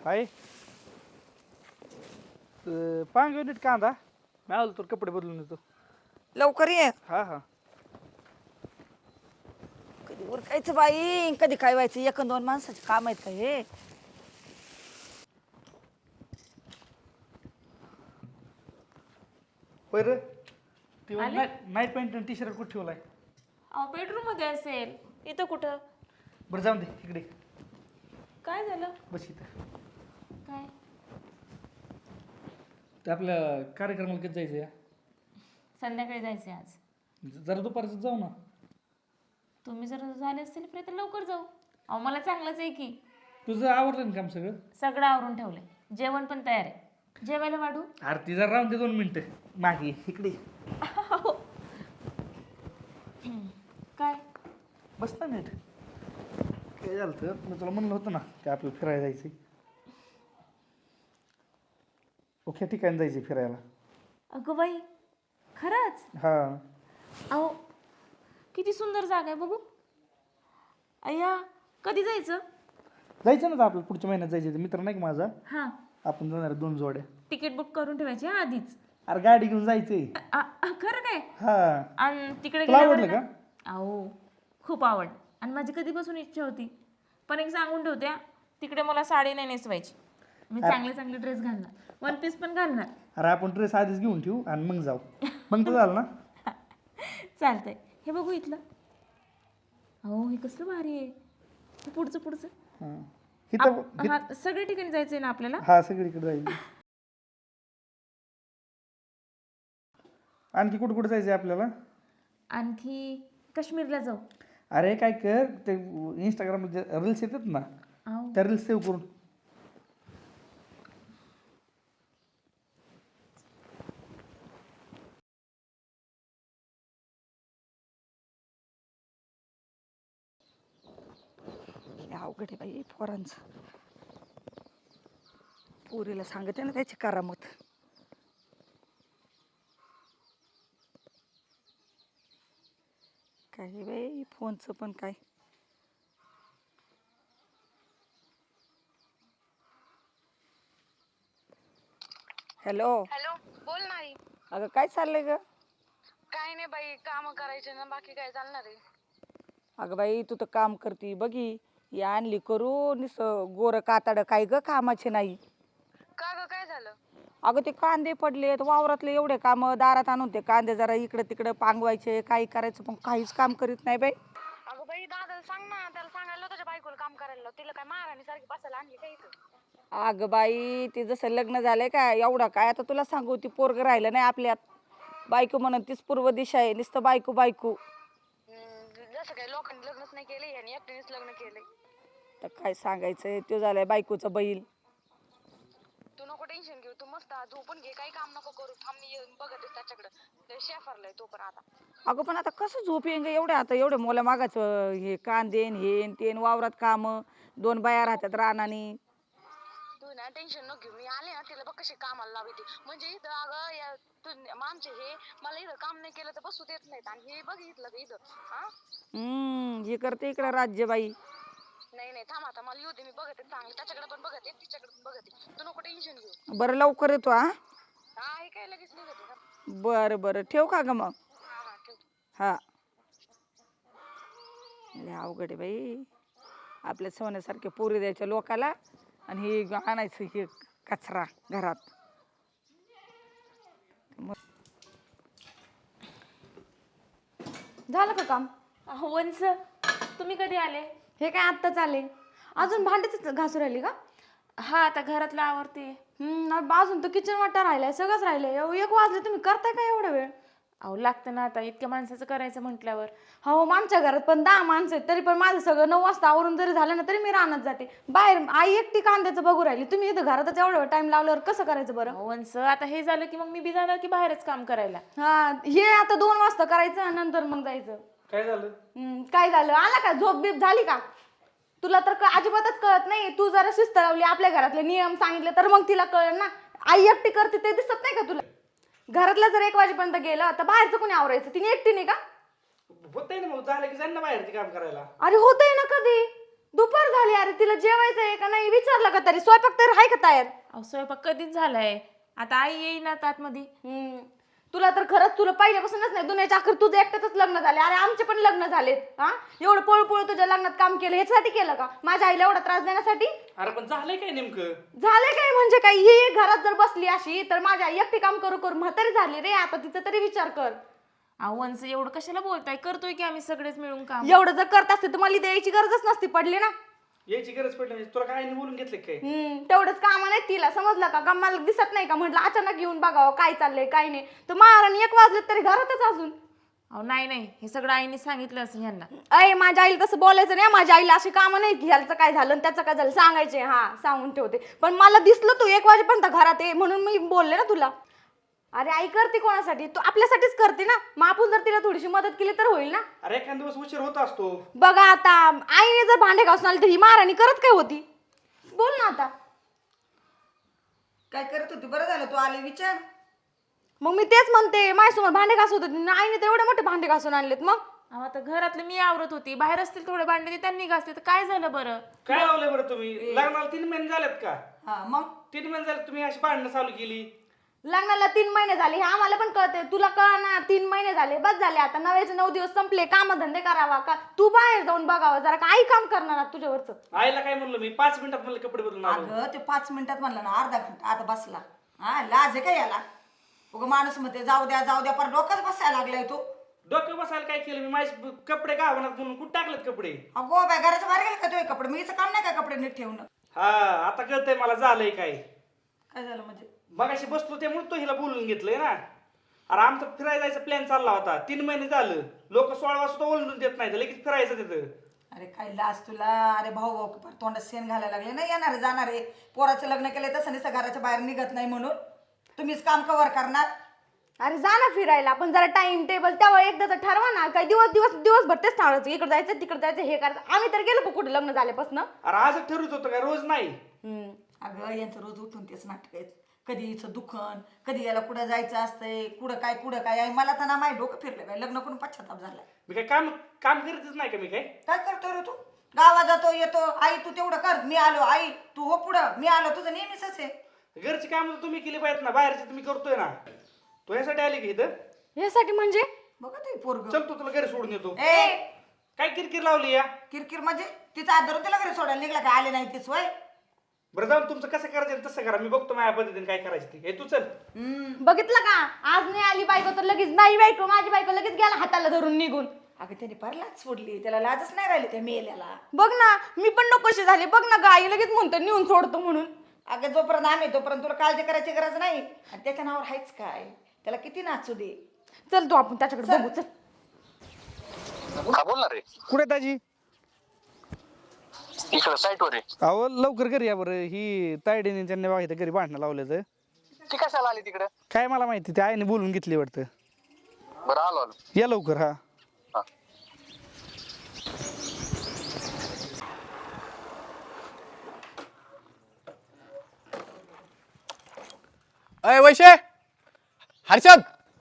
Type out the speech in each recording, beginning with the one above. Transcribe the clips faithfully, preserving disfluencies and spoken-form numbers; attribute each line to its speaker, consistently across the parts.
Speaker 1: हाय पांग नीट कांदा मी आलो तर कपडे बदलून येतो.
Speaker 2: लवकर ये.
Speaker 1: हा हा
Speaker 2: कधी उरकायचं बाई कधी काय व्हायचं एक अन दोन माणसाचे काम आहेत का हे.
Speaker 1: होय रे ती
Speaker 3: आले?
Speaker 1: नाईट पॅन्ट आणि टी शर्ट कुठे ठेवलाय?
Speaker 3: अहो बेडरूम मध्ये असेल. इथं कुठं?
Speaker 1: बरं जाऊन दे इकडे
Speaker 3: काय झालं?
Speaker 1: बस इथं.
Speaker 3: काय?
Speaker 1: ते आपल्या कार्यक्रमाला कधी जायचं या?
Speaker 3: संध्याकाळी जायचंय आज.
Speaker 1: जरा दुपारचं जाऊ ना.
Speaker 3: तुम्ही जर झाले असतील फ्री तर लवकर जाऊ. अहो मला चांगलंच आहे की.
Speaker 1: तुझं आवडलं ना काम सगळं?
Speaker 3: सगळं आवरून ठेवलंय. जेवण पण तयार आहे. जेवायला वाढू?
Speaker 1: आरती जरा राहून दे दोन मिनिटं मागे ये, इकडे ये.
Speaker 3: काय?
Speaker 1: बस ना नीट. काय झालं तर मी तुला म्हणलं होतं ना की आपल्याला फिरायला जायचंय. ओके ठिकाणी जायचंय फिरायला.
Speaker 3: अगं बाई खरंच?
Speaker 1: हा
Speaker 3: अहो किती सुंदर जागा आहे बघू. अय्या कधी जायचं?
Speaker 1: जायचं ना तर आपल्याला पुढच्या महिन्यात जायचं. मित्र नाही का माझा,
Speaker 3: हां
Speaker 1: आपण जाणार आहे दोन जोड्या.
Speaker 3: तिकीट बुक करून ठेवायची हा आधीच.
Speaker 1: अरे गाडी घेऊन जायचंय.
Speaker 3: अ- अ- खरं काय?
Speaker 1: हा
Speaker 3: आणि तिकडे
Speaker 1: तुला
Speaker 3: गेल्यावर
Speaker 1: आवडलं
Speaker 3: ना- अहो खूप आवड आणि माझी कधीपासून इच्छा होती. पण एक सांगून ठेवते हा, तिकडे मला साडी नाही नेसवायची. मी चांगले चांगले ड्रेस घालणार. वन पीस पण घालणार.
Speaker 1: अरे आपण ड्रेस आधीच घेऊन ठेवू आणि मग जाऊ. मग तर झालं ना.
Speaker 3: चालतंय. हे बघू इथलं. अहो हे कसलं भारी आहे. हे पुढचं पुढचं.
Speaker 1: हा इथं
Speaker 3: आप- हा, सगळ्या ठिकाणी जायचंय ना आपल्याला?
Speaker 1: हा सगळीकडे जायचं. आणखी कुठं कुठं जायचंय आपल्याला?
Speaker 3: आणखी काश्मीरला जाऊ.
Speaker 1: अरे काय कर ते इंस्टाग्राम रील्स येतात ना
Speaker 3: अहो
Speaker 1: त्या रील्स सेव्ह करून.
Speaker 2: लय अवघड आहे बाई पोरांचं. पोरीला सांगते ना त्याची करामत. काय बाई फोनचं पण काय. हॅलो.
Speaker 4: हॅलो बोल ना आई.
Speaker 2: अगं काय चाललंय ग?
Speaker 4: काय नाही बाई काम करायचे ना बाकी काय चालणार आहे.
Speaker 2: अगं बाई तू तर काम करती बघी ही आणली करू निस गोर काताड काय ग कामाचे नाही.
Speaker 4: का ग काय झालं?
Speaker 2: अगं ते कांदे पडलेत वावरातले एवढे काम दारात आणून ते कांदे जरा इकडे तिकडे पांगवायचे काही करायचं पण काहीच काम करीत नाही बाई.
Speaker 4: अगं बाई दादाला सांग ना त्याला सांगायला तुझ्या बायकोला काम करायला लाव. तिला काय महाराणी सारखी बसायला आणली काय इथं?
Speaker 2: अगं बाई ते जसं लग्न झालंय का एवढा काय आता तुला सांगू ती पोरग राहिलं नाही आपल्यात. बायको म्हणून तीच पूर्व दिशा आहे नुसतं बायको बायको.
Speaker 4: हम्म, जसं काय लोकांनी लग्नच नाही केले आणि एकट्यानेच लग्न केलंय.
Speaker 2: तर काय सांगायचंय तो झालाय बायकोचं बैल.
Speaker 4: तू नको टेन्शन घेऊ. तू मस्त झोपून घे काही काम नको करू. थांब मी येऊन बघतेस त्याच्याकडे शेफारलाय तो पण आता.
Speaker 2: अगं पण आता कसं झोप येईन ग एवढं आता एवढं मोला मागाचं हे कांदेन हेन तेन वावरात काम दोन बाया राहतात रानानी.
Speaker 4: तू ना टेन्शन नको घेऊ. मी आले ना तिला बघ कशी कामाला लावते. म्हणजे इथं अगं या तू आमचे हे मला इथं काम नाही केलं तर बसू देत नाहीत आणि हे बघ इथलं का इथं हा.
Speaker 2: हम्म हे करते इकडं राज्यबाई.
Speaker 4: नाही नाही थांब आता मला येऊ दे. मी बघते चांगलं त्याच्याकडे पण बघते तिच्याकडे पण बघते. तू नको टेन्शन घेऊ.
Speaker 2: बरं लवकर येतो हा.
Speaker 4: हा हे काय लगेच निघते ना.
Speaker 2: बरं बरं ठेव का ग मग.
Speaker 4: हा हा ठेव.
Speaker 2: हा लय अवघड आहे बाई आपल्या सोन्यासारखे पोरी द्यायच्या लोकाला आणि हे आणायचं हे कचरा घरात.
Speaker 5: झालं का काम?
Speaker 3: अहो वंस तुम्ही कधी आले?
Speaker 5: हे काय आत्ताच आले. अजून भांडेच घासू राहिली का?
Speaker 3: हा आता घरातलं आवरते.
Speaker 5: हम्म अजून तर किचन वाटा राहिलाय सगळंच राहिलंय. एव- एक वाजले तुम्ही करताय का एवढा वेळ?
Speaker 3: अहो लागतं ना आता इतक्या माणसाचं करायचं म्हटल्यावर.
Speaker 5: हो आमच्या घरात पण दहा माणसं आहेत तरी पण माझं सगळं नऊ वाजता आवरून जरी झालं ना तरी मी रानात जाते. बाहेर आई एकटी कांद्याचं बघू राहिली. तुम्ही इथं घरातच एवढा टाइम लावल्यावर कसं करायचं बरं?
Speaker 3: अहो वंस आता हे झालं की मग मी बी जाणार की बाहेरच काम करायला.
Speaker 5: हा हे आता दोन वाजता करायचं नंतर मग जायचं.
Speaker 1: काय झालं?
Speaker 5: हम्म, काय झालं आला का झोप बीप झाली का? तुला तर क- अजिबातच कळत नाही. तू जरा शिस्त लावली आपल्या घरातले नियम सांगितले तर मग तिला कळलं ना. आई एकटी करते ते दिसत नाही का तुला? घरातलं जर एक वाजेपर्यंत गेलं तर बाहेरचं कोणी आवरायचं? तिने एकटी नाही का?
Speaker 1: होत ना मग झालं की जाईन ना बाहेर ते काम करायला.
Speaker 5: अरे होतंय ना कधी दुपार झाली अरे, तिला जेवायचं आहे का नाही विचारलं का तरी? स्वयंपाक तर आहे का तयार?
Speaker 3: अहो स्वयंपाक कधीच झालाय, आता आई येईना आतमध्ये.
Speaker 5: हम्म. तुला तर खरंच तुला पहिल्यापासूनच नाही दुनियाच्या अखेर तुझं एकट्याच लग्न झाले. अरे आमचे पण लग्न झालेत हा. एवढं पळपळ तुझ्या लग्नात काम केलं ह्याच्यासाठी केलं का? माझ्या आईला एवढा त्रास देण्यासाठी?
Speaker 1: अरे पण झालंय काय नेमकं?
Speaker 5: झाले काय म्हणजे काय? ही घरात जर बसली अशी तर माझी आई एकटी काम करू करू म्हातारी झाली रे. आता तिचा तरी विचार कर.
Speaker 3: अहो वंस एवढं कशाला बोलताय, करतोय की आम्ही सगळेच मिळून काम.
Speaker 5: एवढं जर करत असते तर मला द्यायची गरजच नसती पडली ना.
Speaker 1: यायची गरज पडली नाही. तुला काय नाही बोलून घेतलं काय?
Speaker 5: हम्म तेवढंच काम नाही तिला, समजलं का? का मला दिसत नाही का? म्हटलं अचानक येऊन बघावं काय चाललंय काय नाही. तर महाराणी एक वाजले तरी घरातच अजून.
Speaker 3: अहो नाही नाही, हे सगळं आईने सांगितलं असं ह्यांना.
Speaker 5: अय माझ्या आईला तसं बोलायचं नाही. माझ्या आईला अशी कामं नाही की ह्याचं काय झालं आणि त्याचं काय झालं सांगायचे. हा सांगून ठेवते. पण मला दिसलं तू एक वाजेपर्यंत घरात आहे म्हणून मी बोलले ना तुला. अरे आई करते कोणासाठी? तू आपल्यासाठीच करते ना. मग आपण जर तिला थोडीशी मदत केली तर होईल ना.
Speaker 1: अरे एखाद दिवस उशीर होत असतो.
Speaker 5: बघा आता आईने जर भांडे घासून आली तर ही महाराणी करत काय होती? बोल ना आता.
Speaker 2: काय करत होती? बरं झालं तू आले, विचार.
Speaker 5: मग मी तेच म्हणते माझ्यासमोर भांडे घासत होते आईने तर एवढे मोठे भांडे घासून आणलेत. मग
Speaker 3: अहो आता घरातले मी आवरत होती, बाहेर असतील थोडे भांडे ते त्यांनी घासते, तर काय झालं बरं?
Speaker 1: काय लावलंय बरं तुम्ही? लग्नाला तीन महिने झालेत का?
Speaker 2: हा मग
Speaker 1: तीन महिने झाले तुम्ही अशी भांडणं चालू केली.
Speaker 5: लग्नाला तीन महिने झाले हे आम्हाला पण कळते. तुला कळ ना? तीन महिने झाले बस झाले. आता नव्याचे नऊ दिवस संपले. काम धंदे करावा का? तू बाहेर जाऊन बघावा जरा. काही काम करणार आहात तुझ्यावरच?
Speaker 1: आईला काय म्हणलं मी? पाच मिनिटात मला कपडे बदलून आलो.
Speaker 2: अगं ते पाच मिनिटात म्हणलं ना, अर्धा घंटा आता बसला. हा लाज आहे का याला? उगा माणूस म्हणते जाऊ द्या जाऊ द्या, पर डोकंच बसायला लागलाय तो.
Speaker 1: डोक्यावर बसायला काय केलं मी? माझे कपडे गावनात म्हणून कुठे टाकलेत कपडे?
Speaker 2: अगो बाय घराच्या बाहेर गेले का तुझे कपडे? मी काम नाही का कपडे नीट ठेवणं?
Speaker 1: हा आता कळतंय मला झालंय काय.
Speaker 2: काय झालं म्हणजे?
Speaker 1: मगाशी बसलो त्यामुळे तो हिला बोलून घेतलंय ना. अरे आमचा फिरायला जायचा प्लॅन चालला होता. तीन महिने झालं लोक सोळा वाजता ओळखून देत नाही, लगेच फिरायचं तिथं.
Speaker 2: अरे काय लाज तुला? अरे भाऊ भाऊ पर तोंडात शेण घालायला लागले ना. येणार जाणार आहे. पोराचं लग्न केलंय तसं नाही घराच्या बाहेर निघत नाही म्हणून तुम्हीच काम कव्हर करणार.
Speaker 5: अरे जा ना फिरायला. पण जरा टाइम टेबल तेव्हा एकदा तर ठरवा ना. काय दिवस दिवस दिवसभर तेच ठरवायचं, इकडे जायचं तिकडे जायचं हे करायचं. आम्ही तर गेलो कुठे लग्न झाल्यापासून.
Speaker 1: अरे आजच ठरवत होतं काय? रोज नाही.
Speaker 2: अगं यांचं रोज उठून तेच नाटक आहेत. कधी हिचं दुखन, कधी याला कुठं जायचं असतंय, कुठं काय कुठं काय आहे. मला तर ना माही डोकं फिरलं काय. लग्न करून पश्चाताप झालाय.
Speaker 1: मी काय काम काम करीतच नाही का? मी काय
Speaker 2: काय करतो रे तू? गावात जातो येतो, आई तू तेवढं कर, मी आलो, आई तू हो पुढं, मी आलो. तुझं नेहमीच आहे.
Speaker 1: घरची काम तुम्ही केली पाहिजेत ना, बाहेरची तुम्ही करतोय ना. तो यासाठी आली की इथं?
Speaker 5: यासाठी म्हणजे?
Speaker 2: बघा ते पोरग.
Speaker 1: चल तू तुला घरी सोडून येतो.
Speaker 2: ए
Speaker 1: काय किरकिर लावली या?
Speaker 2: किरकिर म्हणजे तिचा हात धरून तिला घरी सोडायला निघला काय? आले नाही तीच वय.
Speaker 1: बरं जाऊन तुमचं कसं करायचं तसं करा. मी बघतो माझ्या पद्धतीने काय करायचं ते. हे तू चल.
Speaker 5: बघितलं का? आज नाही आली बायको तर लगेच नाही बायको माझी बायको लगेच गेला हाताला धरून निघून.
Speaker 2: अगं त्याने फार लाज सोडली, त्याला लाजच नाही राहिली त्या मेल्याला.
Speaker 5: बघ ना मी पण नकोशी झाले. बघ ना गाई लगेच म्हणतो नेऊन सोडतो म्हणून.
Speaker 2: अगं जोपर्यंत आम्ही तोपर्यंत तुला काळजी करायची गरज नाही. आणि त्याच्या नावावर हायच काय? त्याला किती नाचू दे.
Speaker 5: चल तू आपण त्याच्याकडे बघू. चल
Speaker 6: हा बोल ना रे.
Speaker 1: कुठे ताजी?
Speaker 6: इकडं साईटवर आहे.
Speaker 1: अहो लवकर घरी या बरं. ही तायडीने त्यांनी बघायचं घरी भांडणं लावलं तर.
Speaker 6: ती कशाला आली तिकडं?
Speaker 1: काय मला माहिती, त्या आईने बोलून घेतली वाटतं.
Speaker 6: बरं आलो आलो.
Speaker 1: या लवकर. हा
Speaker 6: हा.
Speaker 7: अय वैशे, हर्षद,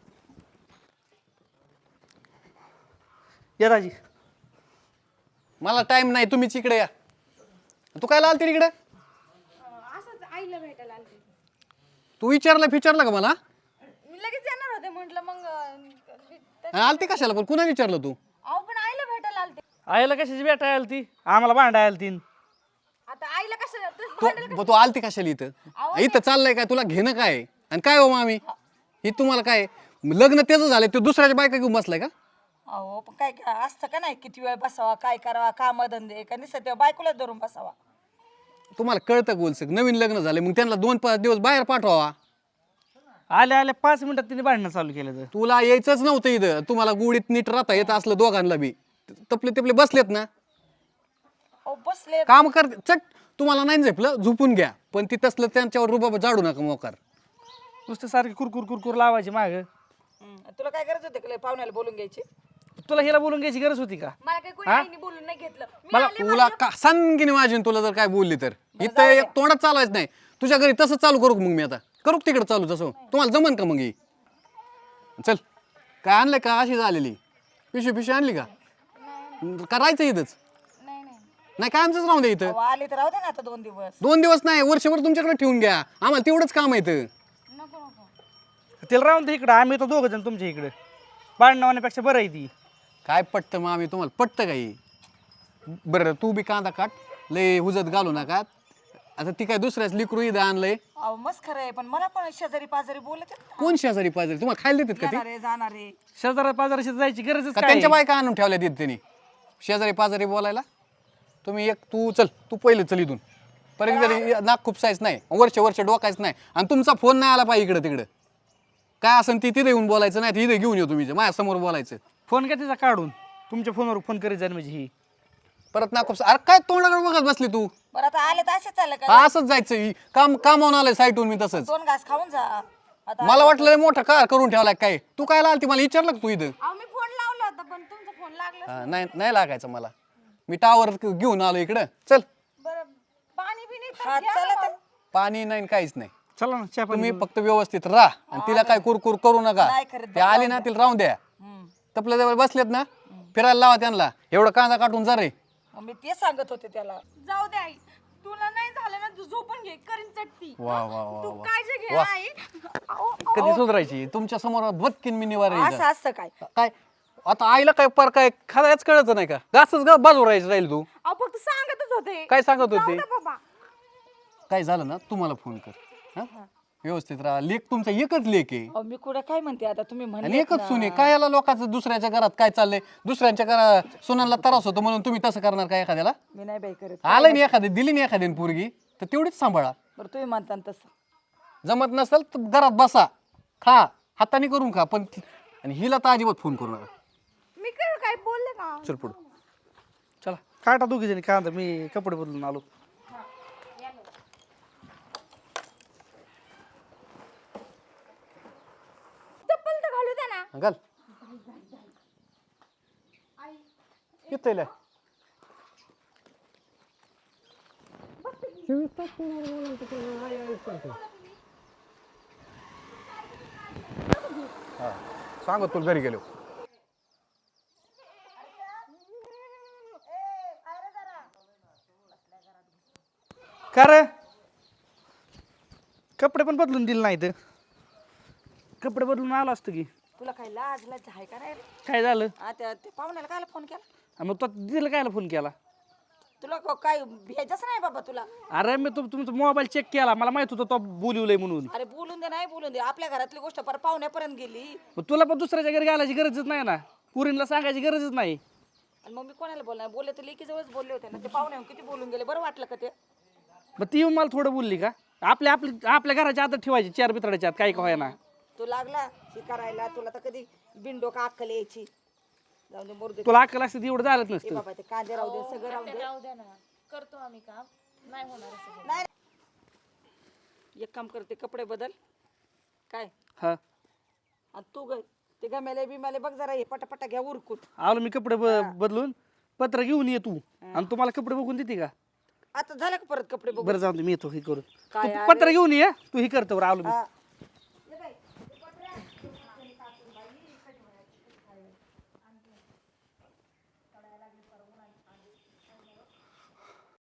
Speaker 1: या ताजी.
Speaker 7: मला टाइम नाही, तुम्हीच इकडे या. तू काय आलती इकडे?
Speaker 5: असंच आईला भेटायला आलते.
Speaker 7: तू विचारलं विचारलं का मला?
Speaker 5: मी लगेच येणार होते म्हटलं मग
Speaker 7: आणि आलती कशाला? पण कुणा विचारलं तू?
Speaker 5: अहो पण आईला भेटायला आलते.
Speaker 1: आईला कशाची भेटायला आली ती? आम्हाला भांडायला आली ती.
Speaker 5: आता आईला कशाला
Speaker 7: तू ब- तू आलती कशाला इथं? इथं चाललंय काय? तुला घेणं काय? आणि काय हो मामी ही तुम्हाला काय लग्न त्याचं झालंय, तू दुसऱ्याच्या बायका घेऊन बसलाय का?
Speaker 2: अहो पण काय काय असतं का नाही? किती वेळ बसावा, काय करावा, काम धंदे का निसत बायकोला धरून बसावा.
Speaker 7: तुम्हाला कळतं गोलसक नवीन लग्न झाले, मग त्यांना दोन पाच दिवस बाहेर पाठवावा.
Speaker 1: आल्या आल्या पाच मिनिटात तिने भांडणं चालू केलं. तर
Speaker 7: तुला यायचंच नव्हतं इथं. तुम्हाला गुडीत नीट राहता येत असलं दोघांना बी. तपले तपले बसलेत ना,
Speaker 2: अहो बसले.
Speaker 7: काम कर चट. तुम्हाला नाही झेपलं झोपून घ्या, पण ती तसलं त्यांच्यावर रुबाब जाडू नका मोकार.
Speaker 1: नुसतं सारखी कुरकुर कुरकुर लावायची माग.
Speaker 2: तुला काय गरज होते का पाहुण्याला बोलून घ्यायची?
Speaker 1: तुला हिला बोलून घ्यायची गरज होती का?
Speaker 5: मला काही कोणी आईने बोलून नाही घेतलं. मी
Speaker 7: मला
Speaker 5: आले
Speaker 7: तुला का सांगिन माझी तुला जर काय बोलली तर इथं एक तोंडात चालवायचं नाही. तुझ्या घरी तसं चालू करू का मग मी आता? करू का तिकडे चालू तसं? तुम्हाला जमन का मग? ही चल काय आणलंय का? अशी झालेली पिशवी पिशवी आणली का? करायचं इथंच.
Speaker 5: नाही नाही
Speaker 7: नाही कायमच राहून दे इथं.
Speaker 2: अहो, आली तर राहू दे ना आता दोन दिवस.
Speaker 7: दोन दिवस नाही वर्षभर तुमच्याकडे ठेवून घ्या, आम्हाला तेवढंच काम येतं.
Speaker 2: नको नको.
Speaker 1: तिला राहून दे इकडं, आम्ही तर दोघं जण तुमच्या इकडे भांडणं होण्यापेक्षा बरं आहे ती.
Speaker 7: काय पटतं मग आम्ही तुम्हाला पटतं काही. बरं तू बी कांदा काट, लय हुजत घालू नका. आता ती काय दुसऱ्याच लिकरू इथं आणलंय.
Speaker 2: अहो मस्त खरं आहे, पण मला पण शेजारी पाजारी बोलत आहेत ना.
Speaker 7: कोण शेजारी पाजारी तुम्हाला खायला देतात का ते?
Speaker 2: येणारे जाणारे.
Speaker 1: शेजारा पाजाराशी जायची गरजच
Speaker 7: का
Speaker 1: काय
Speaker 7: त्यांच्या
Speaker 1: आहे?
Speaker 7: बायका आणून ठेवल्या तिथे त्यांनी शेजारी पाजारी बोलायला? तुम्ही एक तू चल तू पहिले चल इथून परत जरी नाक खुपसायच नाही, वर्ष वर्ष डोकायच नाही, आणि तुमचा फोन नाही आला पाहिजे इकडं तिकडं. काय असेल ती तिथे येऊन बोलायचं, नाही तिथे घेऊन येऊ तुम्ही माझ्या समोर बोलायचं.
Speaker 1: फोन काय तिचा काढून तुमच्या फोनवर फोन करीत जाईल म्हणजे ही.
Speaker 7: परत नाक खुपसा. अरे काय तोंडाकडे बघत बसली तू?
Speaker 2: बरं आता आले तर असंच चाललं का?
Speaker 7: हा, असंच जायचं. ही काम कामावून आलंय साईटून मी तसंच.
Speaker 2: दोन घास खाऊन जा आता.
Speaker 7: मला वाटलं लय मोठा कार करून ठेवलाय काय. तू काय आलती मला विचारलं का तू इथं?
Speaker 5: अहो मी फोन लावला होता पण तुमचा फोन लागला.
Speaker 7: हा, नाही नाही लागायचं मला. मी टावर घेऊन आलो इकडं. चल
Speaker 5: बरं पाणी बिणी तर
Speaker 2: हा
Speaker 5: घ्या
Speaker 2: चला
Speaker 5: ना
Speaker 2: तर.
Speaker 7: पाणी नाही काहीच नाही.
Speaker 1: चला ना चहा पाणी
Speaker 7: तुम्ही
Speaker 1: करू.
Speaker 7: फक्त व्यवस्थित राहा आणि तिला काय कुरकुर करू नका.
Speaker 2: नाही करत
Speaker 7: ते आली ना तिला राहून द्या.
Speaker 2: हम्म.
Speaker 7: तपल्या जवळ बसलेत ना फिरायला लावा त्यांना. एवढं कांदा काटून जा रे.
Speaker 2: मग मी ते सांगत होते त्याला.
Speaker 5: जाऊ दे आई, तुला नाही झालं ना तू झोपून घे, करीन चटती.
Speaker 7: वा वा वा
Speaker 5: तू
Speaker 7: वा.
Speaker 5: काळजी घे
Speaker 7: वा.
Speaker 5: आई. अहो,
Speaker 7: कधी सुधारायची तुमच्या समोर बदकीन मी निवार
Speaker 2: असं असतं काय?
Speaker 7: काय आता आईला काय पर काय खायच कळत नाही का? घासच ग बाजू राहायचं राहील तू.
Speaker 5: अहो फक्त सांगतच होते.
Speaker 7: काय सांगत
Speaker 5: जाऊ
Speaker 7: होते?
Speaker 5: दे बाबा.
Speaker 7: काय झालं ना तुम्हाला फोन कर. हा? व्यवस्थित राहा. लेख तुमचा एकच लेख आहे
Speaker 2: अहो मी कुठं काय म्हणते आता तुम्ही
Speaker 7: आणि
Speaker 2: म्हणले
Speaker 7: एकच सुने. काय याला लोकांचं दुसऱ्याच्या घरात काय चाललंय, दुसऱ्यांच्या घरात सुनांना त्रास होतो म्हणून तुम्ही तसं करणार काय एखाद्याला?
Speaker 2: मी नाही बाई करत.
Speaker 7: आलं नाही एखादी दिली नाही एखाद्याने पोरगी तर तेवढीच सांभाळा.
Speaker 2: बरं तुम्ही म्हणता ना तसं.
Speaker 7: जमत नसेल तर घरात बसा, खा, हाताने करून खा, पण आणि हिला तर अजिबात फोन करू नका.
Speaker 5: मी काय काय बोलले का?
Speaker 7: चल पुढं.
Speaker 1: चला काटा दोघी जणी कांदा, मी कपडे बदलून आलो.
Speaker 5: चप्पल तर घालू दे ना.
Speaker 7: घाल येतोय. सांगत तुला घरी गेलो.
Speaker 1: का रे कपडे पण बदलून दिले नाही तर कपडे बदलून आलो असतो की.
Speaker 2: तुला काय लाज लाज आहे का नाही रे?
Speaker 1: काय झालं?
Speaker 2: आता ते पाहुण्याला काय फोन केला?
Speaker 1: हा, मग तो दिलं कायला फोन केला?
Speaker 2: तुला क- काय भेटच नाही बाबा तुला.
Speaker 1: अरे मी तुम तुमचा मोबाईल चेक केला, मला माहित होतं तो बोलवलंय म्हणून.
Speaker 2: अरे बोलून दे नाही बोलून दे, आपल्या घरातली गोष्ट पर पाहुण्यापर्यंत गेली.
Speaker 1: मग तुला पण दुसऱ्याच्या घरी घालायची गरजच नाही ना, पुरीला सांगायची गरजच नाही.
Speaker 2: आणि मग मी कोणाला बोलणार? बोलले तर लेकी जवळच बोलले होते ना. ते पाहुणे किती बोलून गेले, बरं वाटलं का ते?
Speaker 1: मग ती येऊन मला थोडं बोलली का? आपल्या आपली आपल्या घराच्या आत ठेवायची चार बितडाच्या आत, काही का ना.
Speaker 2: तू लागला हे करायला, तुला तर कधी बिंडो का अक्कल यायची. जाऊ दे मरू दे.
Speaker 1: तुला अक्कल असते एवढं झालंच
Speaker 2: ए
Speaker 1: नसतं.
Speaker 2: बाबा ते कांदे राहू दे, सगळं राहू दे.
Speaker 3: राहू द्या ना, करतो आम्ही काम, नाही होणार असं.
Speaker 2: नाही एक काम करते, कपडे बदल काय.
Speaker 1: हा
Speaker 2: आणि तू ग ते गमेले बिमेले बघ जरा, हे पटापटा घ्या उरकून.
Speaker 1: आलो मी कपडे ब- बदलून. पत्र घेऊन ये तू, आणि तुम्हाला कपडे बघून देते का?
Speaker 2: आता झालं का परत कपडे बघ.
Speaker 1: बरं जाऊ दे, मी येतो हे करू.
Speaker 2: काय
Speaker 1: तू पत्र घेऊन ये, तू हे करतो. बरं आलो मी.
Speaker 2: हा.